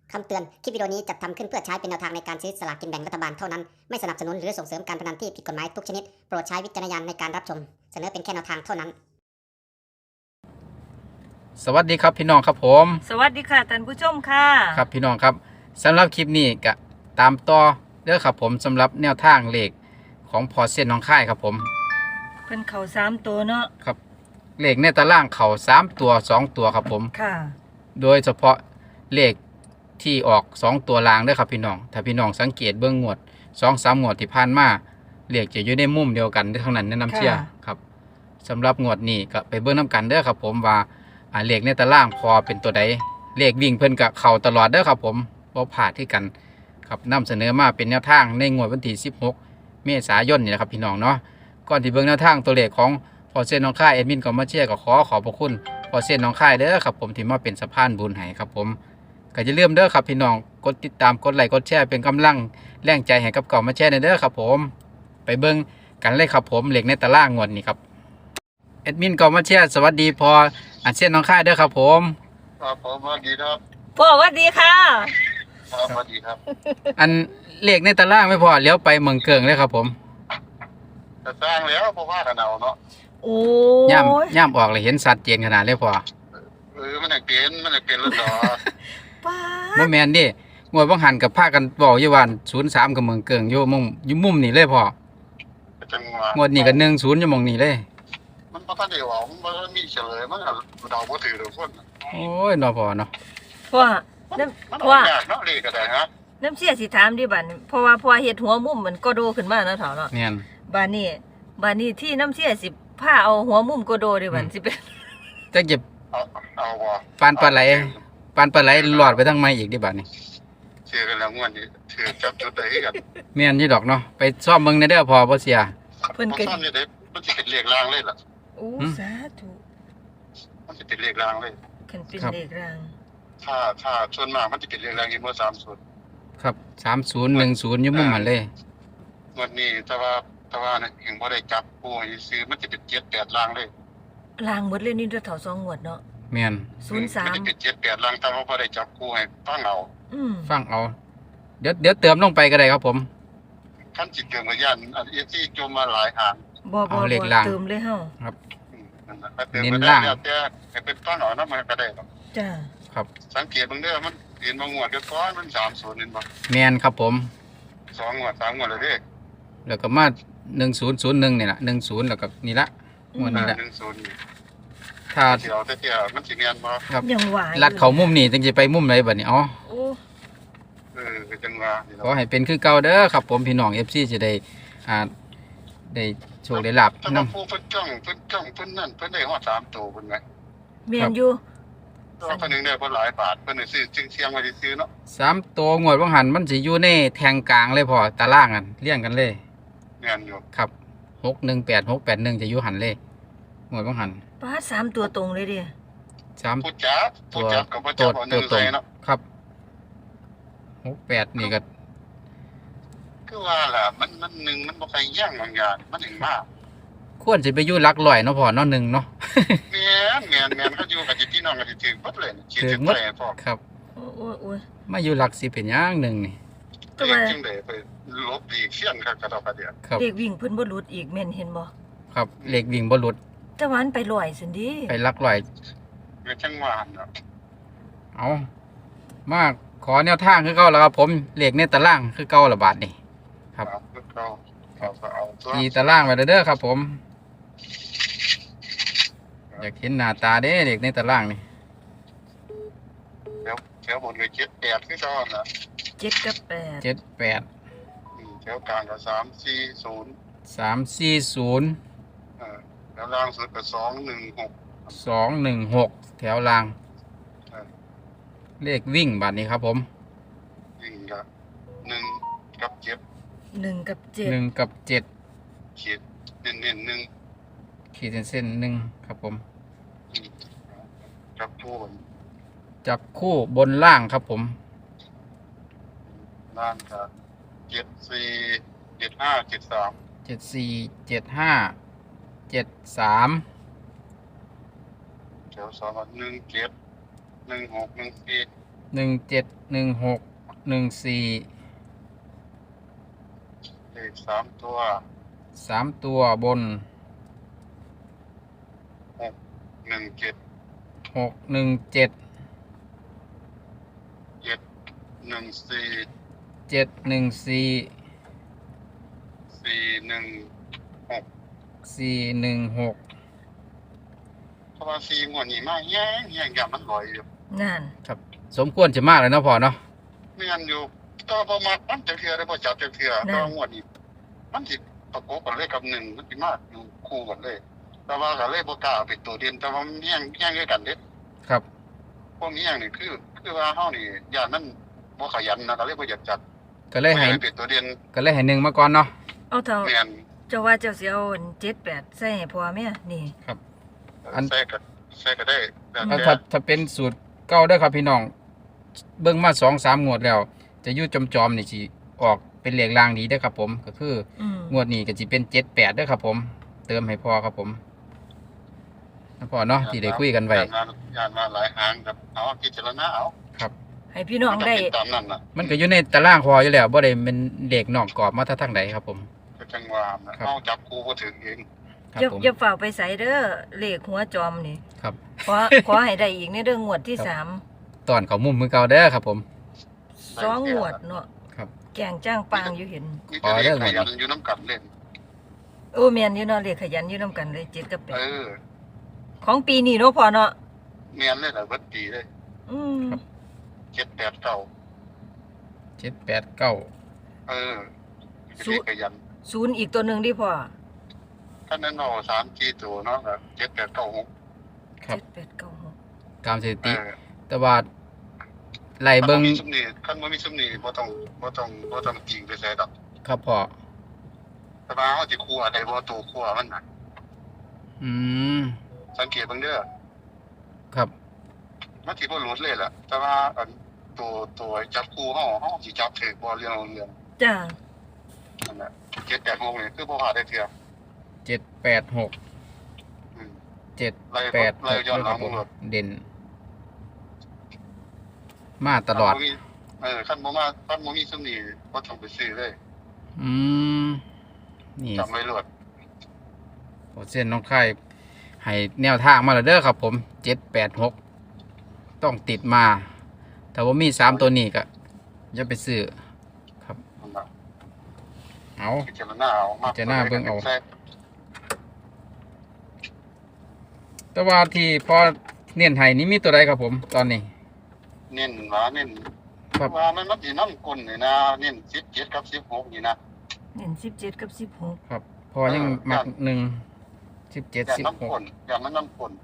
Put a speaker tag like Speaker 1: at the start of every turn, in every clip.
Speaker 1: คำเตือน คลิปวิดีโอนี้จัดทำขึ้นเพื่อใช้เป็นแนวทางในการซื้อสลากกินแบ่งรัฐบาลเท่านั้น ไม่สนับสนุนหรือส่งเสริมการพนันที่ผิดกฎหมายทุกชนิด โปรดใช้วิจารณญาณในการรับชม เสนอเป็นแค่แนวทางเท่านั้น
Speaker 2: สวัสดีครับพี่น้องครับผม
Speaker 3: สวัสดีค่ะท่านผู้ชมค่ะ
Speaker 2: ครับพี่น้องครับสำหรับคลิปนี้ก็ตามต่อเด้อครับผมสำหรับแนวทางเลขของพอเส้นน้องค่ายครับผม
Speaker 3: เพิ่นเข่า3ตัวเนาะ
Speaker 2: ครับเลขในตารางเข่า3ตัว2ตัวครับผม
Speaker 3: ค่ะ
Speaker 2: โดยเฉพาะเลขที่ออก2ตัวล่างเด้อครับพี่น้องถ้าพี่น้องสังเกตเบื้องงวด 2-3 งวดที่ผ่านมาเลขจะอยู่ในมุมเดียวกันทั้งนั้นแนะนำเชียร์ครับสำหรับงวดนี้ก็ไปเบิ่งน้ำกันเด้อครับผมว่าเลขในตารางพอเป็นตัวใดเลขวิ่งเพิ่นกับเข่าตลอดเด้อครับผมบ่พลาดที่กันครับนำเสนอมาเป็นแนวทางในงวดวันที่16 เมษายนนี่นะครับพี่น้องเนาะก่อนที่เบิ่งแนวทางตัวเลขของพอเส้นน้องค่ายแอดมินก็มาเชียร์ก็ขอบพระคุณพอเส้นน้องค่ายเด้อครับผมที่มาเป็นสะพานบุญให้ครับผมก็อย่าลืมเด้อครับพี่น้องกดติดตามกดไลค์กดแชร์เป็นกำลังแรงใจให้กับเก่ามาแชร์เด้อครับผมไปเบิ่งกันเลยครับผมเลขในตารางงวดนี้ครับแอดมินก็มาเชียร์สวัสดีพอเส้นน้องค่ายเด้อครับผม
Speaker 4: ครับผมสวัสดีครับ
Speaker 3: พ่อสวัสดีค่ะ
Speaker 4: ครับสวัสดีครับ
Speaker 2: อันเลขในตารางไม่พอเลี้ยวไปเมืองเกิงเลยครับผม
Speaker 4: จะสร้างแล้วเพราะว่ากันเอาเนาะ
Speaker 3: โอ้
Speaker 2: ย่ำออกเลยเห็นสัตว์เจนขนาดเลยพอ
Speaker 4: มันอยากเปลี่ยนแล้วต่อ
Speaker 3: ป้า
Speaker 2: บ่แม่นดิงวดบ่หันกับพากันบอกอยู่ว่า03กับเมืองเกิงอยู่มุมนี่เลยพอ
Speaker 4: จังหวะ
Speaker 2: งวดนี้ก็10อยู่หม่องนี้เลย
Speaker 4: มันบ่ทันได้ว่ามันบ่มีเฉลยมันก็เดาบ่ถือทุกคน
Speaker 2: โอ้ยเนาะพอเนาะ
Speaker 3: พ่อ
Speaker 4: มัน
Speaker 3: น้
Speaker 4: มัน
Speaker 3: ำพ่อย
Speaker 4: ากเนาะเลขก็ได้ฮะ
Speaker 3: น้ำเสียสิถามดิบัดนี้เพราะว่าพ่อเฮ็ดหัวมุมมันก็โดขึ้นมาเนาะเฒ่าเนาะ
Speaker 2: แม่น
Speaker 3: บัดนี้ที่น้ำเสียสิพาเอาหัวมุมก็โดดิบัดสิเป็น
Speaker 2: จักจะ
Speaker 4: เอาบ่
Speaker 2: ปานปลาไหลหลอดไปทางไม้อีกดิบัดนี้
Speaker 4: เชื่อกันแล้วงวดนี้ถือจับจุดได้กัน
Speaker 2: แม่นอยู่ดอกเนาะไปซ่อมเบิ่งในเด้อพอบ่เสีย
Speaker 3: เพิ่น
Speaker 4: มัน
Speaker 3: ก็
Speaker 4: ซ่อนอยู่ได้มันสิเป็นเลขรางเลยล่ะ
Speaker 3: โอ้สาธุ
Speaker 4: มันสิเป็นเลขรางเลย
Speaker 3: คันเป็นเลขราง
Speaker 4: ถ้าส่วนมากมันสิเป็นเลขรางอยู่บ่30
Speaker 2: ครับ3010อยู่มุมมันเลย
Speaker 4: งวดนี้แต่ว่าเนี่ยยังบ่ได้จับผู้ให้ซื้อมันสิเป็น7-8รางเลย
Speaker 3: รางหมดเลยนี่เด้อเฒ่า2งวดเนาะ
Speaker 2: แม่น
Speaker 4: มันจะ
Speaker 3: 03
Speaker 4: เป็น7-8ลังแต่ว่าพอได้จับคู่ให้ฟังเอา
Speaker 2: ฟังเอาเดี๋ยวเติมลงไปก็ได้ครับผม
Speaker 4: ขั้นจิตเกิดมาย่านอันเอที่จมมาหลายหาง
Speaker 3: บ่
Speaker 2: เอาเลขราง
Speaker 3: เติมเลยเฮา
Speaker 4: นั่นน่ะถ้าเติม
Speaker 2: เน้น
Speaker 4: มาได้
Speaker 2: ล่าง
Speaker 4: แล้วแต่ให้เป็นฟังเอานะมันก็ได้หรอก
Speaker 3: จ้า
Speaker 2: ครับ
Speaker 4: สังเกตเบิ่งเด้อมันเห็นบางงวดก็ก้อนมัน30นี่บ่
Speaker 2: แม่นครับผม
Speaker 4: 2งวด3งวดแล้วเด้
Speaker 2: แล้วก็มา1001นี่ล่ะ10แล้วก็นี่ละงวดนี้ละ
Speaker 4: 10นี่
Speaker 2: ถ้า
Speaker 4: สิเอาแต่เที่ยมันสิแม่นบ่
Speaker 2: ครับ
Speaker 3: ยังหวาย
Speaker 2: ลัดเขามุมนี่จึงจะไปมุมไหนบัดนี้อ๋อ
Speaker 3: โอ้
Speaker 4: ก็จังว่านี่
Speaker 2: ขอ
Speaker 4: เนาะ
Speaker 2: ให้เป็นคือเก่าเด้อครับผมพี่น้อง FC จะได้ได้โชคได้ลาบ
Speaker 4: ถ้า
Speaker 2: นํ
Speaker 4: ผู้เพิ่นจ้องเพิ่นนั่นเพิ่นได้ฮอด3ตัวเพิ่นไหม
Speaker 3: เมียนอยู่
Speaker 4: ตัวเพิ่นนึงได้บ่หลายบาทเพิ่นได้ซื้อจึงเสียงไว้ซื้อเนาะ
Speaker 2: 3ตัวงวดบ่หันมันสิอยู่ในแทงกลางเลยพอตารางกันเรียงกันเลย
Speaker 4: แม่นอยู่
Speaker 2: ครับ618 681จะอยู่หันเลยงวดบ่หัน
Speaker 3: ป้าด3ตัวตรงเลยดิ
Speaker 2: 3
Speaker 4: ผู้จับก็บ่จับเอาหนึ่งใส่เนาะ
Speaker 2: ครับ68นี่ก็
Speaker 4: คือว่าล่ะมันหนึ่งมันบ่ใครแย่งบางอย่างมันถึงมาก
Speaker 2: ควรสิไปอยู่หลักร้อยเนาะพอเนาะ1เนาะ
Speaker 4: แม่นเขาอยู่กับพี่น้องกันถึงหมดเลยคิดถึงไปพ่อ
Speaker 2: ครับ
Speaker 3: โอ้ย
Speaker 2: มาอยู่หลักสิเป็นหยังหนึ่งนี่
Speaker 3: ก็
Speaker 4: เด็
Speaker 3: ว่าก
Speaker 4: จึงได้ไปลบดีเขียนครับกระดอกกระเดียด
Speaker 2: ครับ
Speaker 3: เด็กวิ่งเพิ่นบ่หลุดอีกแม่นเห็นบ่
Speaker 2: ครับเลขวิ่งบ่หลุด
Speaker 3: แต่ว่ามันไปลอยซั่นดิ
Speaker 2: ไปหลักร้อย
Speaker 4: เป็นจังหวะเนาะ
Speaker 2: เอามาขอแนวทางคือเก่าแล้วครับผมเลขในตารางคือเก่าละบาทนี่ ครับ
Speaker 4: เราก็เอาตัว
Speaker 2: ตีตารางไว้เด้อครับผม อยากเห็นหน้าตาเด้เลขในตารางนี่
Speaker 4: แถวบนก็7-8คือตอนน่ะ
Speaker 3: 7กับ8
Speaker 2: 78
Speaker 4: แถวกลางก็340
Speaker 2: 340
Speaker 4: แล้วล่างสุดก็216
Speaker 2: 216 แถวล่าง เลขวิ่งบาทนี้ครับผม
Speaker 4: ยิ่งก็1กับ7
Speaker 3: 1กับ7
Speaker 2: 1กับ7
Speaker 4: ขีดเน้นๆ
Speaker 2: ขีดเส้นๆหนึ่งครับผม
Speaker 4: กับผู้
Speaker 2: จับคู่บนล่างครับผม
Speaker 4: ล่างก็74 75 73
Speaker 2: 74 75 73
Speaker 4: แถว2ก็17 16 14
Speaker 2: 171614
Speaker 4: เลข3ตัว
Speaker 2: 3ตัวบน
Speaker 4: 617
Speaker 2: 617
Speaker 4: 714
Speaker 2: 714
Speaker 4: 416
Speaker 2: 416
Speaker 4: เพราะว่า4งวดนี้มาแย่งอย่างมันลอยอยู่
Speaker 3: นั่น
Speaker 2: ครับสมควรจะมากเลยเนาะพ่อเนาะ
Speaker 4: ไม่งั้นอยู่ก็บ่มักมันจักเทื่อได้บ่จับจักเทื่อก็งวดนี้มันสิประกบกันเลยกับ1มันสิมาอยู่คู่กันเลย แต่ว่าก็เลยบ่กล้าเอาเป็นตัวเด่นแต่ว่ามันแย่งด้วยกันเด้
Speaker 2: ครับ
Speaker 4: พวกนี้อย่างนี้คือว่าเฮานี่ย่านมันบ่ขยันนะก็เลยบ่อยากจัด
Speaker 2: ก็เลยให้
Speaker 4: บ่อากเป็นตัวเด่น
Speaker 2: หนึ่งมาก่อนเนาะ
Speaker 3: เอาเถอะ
Speaker 4: แม่น
Speaker 3: เจ้าว่าเจ้าสิเอา78ใส่ให้พ่อแม่นี่
Speaker 4: ใส่ก็ได้แล้ว
Speaker 2: เอา
Speaker 4: แต่
Speaker 2: ถ้าเป็นสูตรเก่าเด้อครับพี่น้องเบิ่งมา2-3งวดแล้ว จะอยู่จอมๆนี่สิออกเป็นเลขรางดีเด้อครับผมก็คือ งวดนี้ก็สิเป็น78เด้อครับผม เติมให้พ่อครับผมนะพ่อเนาะที่ได้คุยกันไว้
Speaker 4: ย่านมาหลายหางครับเอาพิจารณาเอา
Speaker 3: ให้พี่น้องได้
Speaker 4: มันก็เป็นตามนั้นน่ะ
Speaker 2: มันก็อยู่ในตารางพออยู่แล้วบ่ได้เป็นเลขนอกกรอบมาทางใดครับผม
Speaker 4: ก็จังว่านะครับ เอาจับคู่บ่ถึงเอง
Speaker 2: ครับ
Speaker 3: อย่า
Speaker 2: ผม
Speaker 3: อย่าฝ่าไปใส่เด้อเลขหัวจอมนี่
Speaker 2: ครับ
Speaker 3: ขอให้ได้อีกในเรื่องงวดที่
Speaker 2: ครับ
Speaker 3: สาม
Speaker 2: ตอนเขามุมมือเก่าเด้อครับผม
Speaker 3: 2งวดเนาะ
Speaker 2: ครับ
Speaker 3: แกงจ้างปางอยู่เห็น
Speaker 4: มีแต่เลขขยันอยู่น้ำกันเล่น
Speaker 3: โอ้แม่นอยู่เนาะเลขขยันอยู่นํกันเลย7กับ
Speaker 4: เออ
Speaker 3: 8ของปีนี้เนาะพ่อเนาะ
Speaker 4: แม่นเลยล่ะเบิดปีเลย
Speaker 3: อืม
Speaker 4: 7 8 9
Speaker 2: 789
Speaker 4: เออเลขขยัน
Speaker 3: ศูนย์อีกตัวหนึงดิพ่อ
Speaker 4: คันนั้นเอา3 4ตัวเนาะก็7 8 9 6
Speaker 2: ครับ
Speaker 3: 7896
Speaker 2: ตามสถิ
Speaker 4: เอ
Speaker 2: ติ
Speaker 4: อ
Speaker 2: แต่ว่าไล่เบิ่ง
Speaker 4: คันบ่มีซุมนี้บ่ต้องจริงไปใส่ดอก
Speaker 2: ครับพ่อ
Speaker 4: แต่ว่าเฮาสิคั่วได้บ่ตัวคั่วมันน่ะ
Speaker 2: อืม
Speaker 4: สังเกตเบิ่งเด้อ
Speaker 2: ครับ
Speaker 4: มันสิบ่หลุดเลยล่ะแต่ว่าอันตัวจับคู่เฮาสิจับถูกบ่เรื่อง
Speaker 3: จ้า
Speaker 4: นั่นแหละ7 8 6นี่คือบ่พลาดได้เทื่อ
Speaker 2: 786
Speaker 4: อืม
Speaker 2: 786
Speaker 4: ไล่ย้อนหลัง
Speaker 2: ผม
Speaker 4: หมด
Speaker 2: เด่น มาตลอด
Speaker 4: คันบ่มีซุมนี้บ่ต้องไปซื้อเลย
Speaker 2: อืมนี่
Speaker 4: จำไว้โลด
Speaker 2: โอเส้นน้องไข่ให้แนวทางมาแล้วเด้อครับผม786ต้องติดมาถ้าว่ามี3ตัวนี้ก็อย่าไปซื้อ
Speaker 4: นั่นล่ะ
Speaker 2: เอา
Speaker 4: พิจารณาเอามา
Speaker 2: พิจารณาเบิ่งเอา
Speaker 4: แทรก
Speaker 2: แต่ว่าที่พอเน้นให้นี่มีตัวใดครับผมตอนนี้
Speaker 4: เน้น
Speaker 2: ครับ
Speaker 4: ว่ามันสินำกลนี่นะเน้น17กับ16นี่นะ
Speaker 3: เห็น17กับ16
Speaker 2: ครับพอยังมัก1 17
Speaker 4: อย่างน้ำกล
Speaker 2: 16
Speaker 4: อย่างมันน้ำกล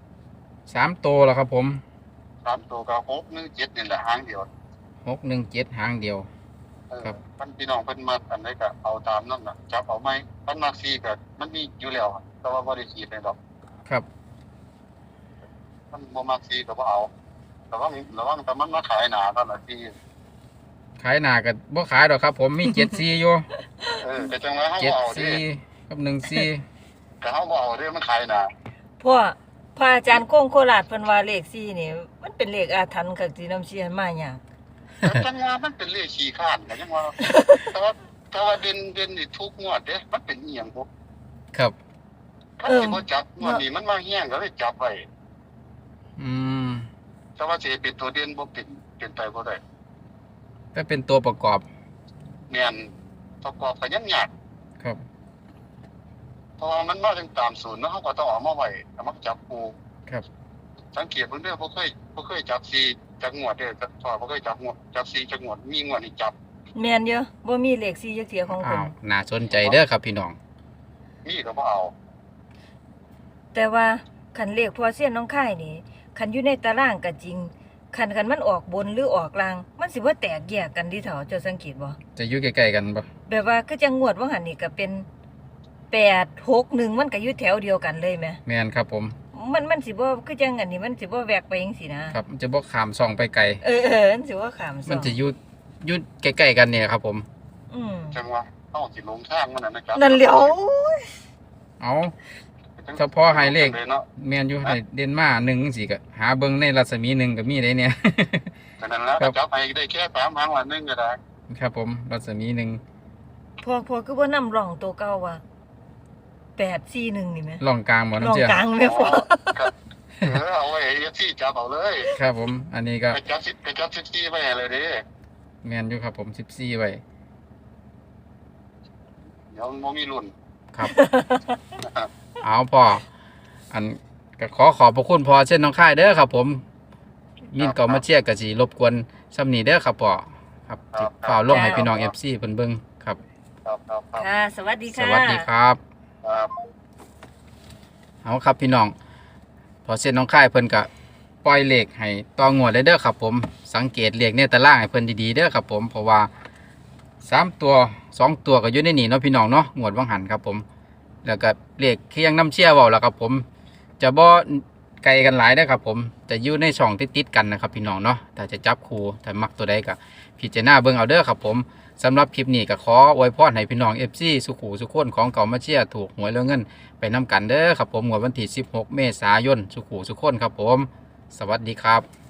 Speaker 2: 3ตัวแล้วครับผม
Speaker 4: 3ตัวก็6 1 7นี่แหละหางเดียว
Speaker 2: 617หางเดียว
Speaker 4: เออ
Speaker 2: ครับ
Speaker 4: มันพี่น้องเพิ่นมักอันใดก็เอาตามนั้นน่ะจับเอาไหมมันมัก4ก็มันมีอยู่แล้วอะแต่ว่าบ่ได้ขีดให้ดอก
Speaker 2: ครับ
Speaker 4: มันบ่มัก4ก็บ่เอาระวังแต่มันมาขายหนาตอนละ4
Speaker 2: ขายหน้าก็บ่ขายดอกครับผมมี74อยู่
Speaker 4: แต่จังว่าเฮาบ่เอาเด้
Speaker 2: 74กับ14
Speaker 4: ก็เฮาบ่เอาเด้มันขายหนา
Speaker 3: พ่อพระอาจารย์โคงโคราชเพิ่นว่าเลข4นี่มันเป็นเลขอาถรรพ์คักที่น้ำเชียนมาหยัง
Speaker 4: แต่จังว่ามันเป็นเลขขี้ข้านก็จังว่าแต่ว่าเด่นนี่ทุกงวดเด้มันเป็นอีหยังบ่
Speaker 2: ครับ
Speaker 4: คันสิบ่จับงวดนี้มันมาแห้งก็เลยจับไว้
Speaker 2: อืม
Speaker 4: แต่ว่าสิเป็นตัวเด่นบ่เป็นไปบ่ได้
Speaker 2: ก็เป็นตัวประกอบ
Speaker 4: แม่นประกอบก็ยังยาก
Speaker 2: ครับ
Speaker 4: เพราะว่ามันมาถึงตามศูนย์เนาะเฮาก็ต้องเอามาไว้เอามาจับคู่
Speaker 2: ครับ
Speaker 4: สังเกตเบิ่งเด้อบ่เคยจับ4จักงวดเด้อพอบ่เคยจับ4จักงวดมีงวดนี่จับ
Speaker 3: แม่นเยอะบ่มีเลข4จักเที่ยของ
Speaker 2: อ้า
Speaker 3: เพิ่น
Speaker 2: วน่าสนใจเด้อครับพี่น้อง
Speaker 4: มีก็บ่เอา
Speaker 3: แต่ว่าคันเลขพอเสี้ยนน้องค่ายนี่คันอยู่ในตารางก็จริงคันมันออกบนหรือออกล่าง มันสิบ่แตกแยกกันดิเถาเจ้าสังเกตบ่
Speaker 2: จะอยู่ใกล้ๆกันบ่
Speaker 3: แบบว่าคือจังงวดว่าหันนี่ก็เป็น861มันก็อยู่แถวเดียวกันเลยแหม
Speaker 2: แม่นครับผม
Speaker 3: มันสิบ่คือจังอันนี้มันสิบ่แวกไปจังซี่นะครับ
Speaker 2: มันจะบ่ข้ามช่องไปไกล
Speaker 3: มันสิว่าขามซอ
Speaker 2: มันจะอยู่ใกล้ๆกันเนี่ยครับผม
Speaker 3: อืม
Speaker 4: จังว่าเฮาสิลงทางมันน่ะนะครับ
Speaker 3: นั่นแหล้ว
Speaker 2: เอา เฉพาะให้เลข
Speaker 4: เนาะ
Speaker 2: แม่นอยู่ให้เด่นมา1จังซี่ก็หาเบิ่งในรัศมี1ก็มีได้เนี่ย
Speaker 4: ฉะนั้นแล้วก็จับให้ได้แค่3 หางวันนึงก็ได้
Speaker 2: ครับผมรัศมีหนึ่ง
Speaker 3: พอคือบ่นำร่องตัวเก่าว่า841นี่แหม
Speaker 2: ล่องกลางบ่
Speaker 3: ร่อ
Speaker 2: น้ำ
Speaker 3: ง
Speaker 2: เชี่ย
Speaker 3: กลางแม่พอ
Speaker 4: ครับเอาไว้ที่จับเอาเลย
Speaker 2: ครับผม อันนี้ก็
Speaker 4: ไปจับที่ไว้เลยเด้
Speaker 2: แมนอยู่ครับผม14ไว้
Speaker 4: เดี๋ยวมันบ่มีรุ่น
Speaker 2: ครับ เอาพ่ออันก็ขอบพระคุณพ่อเช่นน้องค่ายเด้อครับผมมินก็มาเชียร์ก็สิรบกวนซ้ำนี้เด้อครับพ่อครับสิฝ่ากลงให้พี่น้อง FC เพิ่นเบิ่งครับ
Speaker 4: ครับครับ
Speaker 3: ค่ะ สวัสดี
Speaker 2: ส
Speaker 3: ค่ะ
Speaker 2: วัสดีครับ
Speaker 4: ครับ
Speaker 2: เอาครับพี่น้องพอเส้นน้องค่ายเพิ่นก็ปล่อยเลขให้ต่องวดเลยเด้อครับผมสังเกตเลขในตารางให้เพิ่นดีๆเด้อครับผมเพราะว่า3ตัว2ตัวก็อยู่ในนี่เนาะพี่น้องเนาะงวดวังหันครับผมแล้วก็เลขที่ยังน้ำเชี่ยเว้าแล้วครับผมจะบ่ไกลกันหลายเด้อครับผมจะอยู่ในช่องติดๆกันนะครับพี่น้องเนาะถ้าจะจับคู่ถ้ามักตัวใดก็พิจารณาเบิ่งเอาเด้อครับผมสำหรับคลิปนี้ก็ขออวยพรให้พี่น้อง FC สุขุสุขคนของเก่ามาเชียร์ถูกหวยแล้วเงินไปนำกันเด้อครับผมงวดวันที่16 เมษายนสุขุสุขคนครับผมสวัสดีครับ